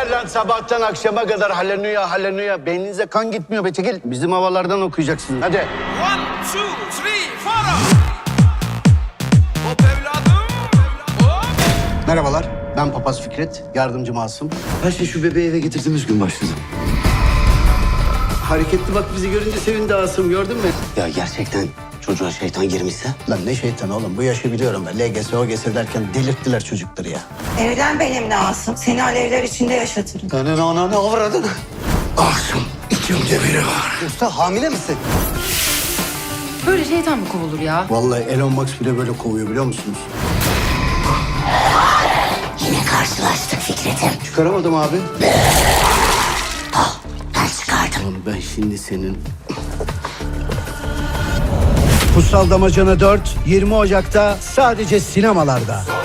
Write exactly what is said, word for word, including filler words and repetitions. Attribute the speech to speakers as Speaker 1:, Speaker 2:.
Speaker 1: Yeter lan sabahtan akşama kadar haleluya haleluya. Beyninize kan gitmiyor be çekil. Bizim havalardan okuyacaksın hadi.
Speaker 2: One, two, three, four. Hop evladım. Hop.
Speaker 1: Merhabalar, ben Papaz Fikret, yardımcı Masum.
Speaker 3: Her şey şu bebeği eve getirdiğimiz gün başladı.
Speaker 1: Hareketli bak bizi görünce sevindi Asım, gördün mü?
Speaker 3: Ya gerçekten çocuğa şeytan girmişse?
Speaker 1: Lan ne şeytan oğlum, bu yaşı biliyorum ben. L G S, O G S derken delirttiler çocukları ya.
Speaker 4: Evlen benimle Asım. Seni alevler içinde yaşatırım.
Speaker 3: Senin ananı avradın.
Speaker 1: Asım, içimde biri var.
Speaker 3: Usta hamile misin?
Speaker 5: Böyle şeytan mı kovulur ya?
Speaker 1: Vallahi Elon Musk bile böyle kovuyor biliyor musunuz?
Speaker 4: Yine karşılaştık Fikret'im.
Speaker 1: Çıkaramadım abi.
Speaker 4: Ben çıkardım.
Speaker 1: Oğlum ben şimdi senin... Kutsal Damacana dört, yirmi Ocak'ta sadece sinemalarda.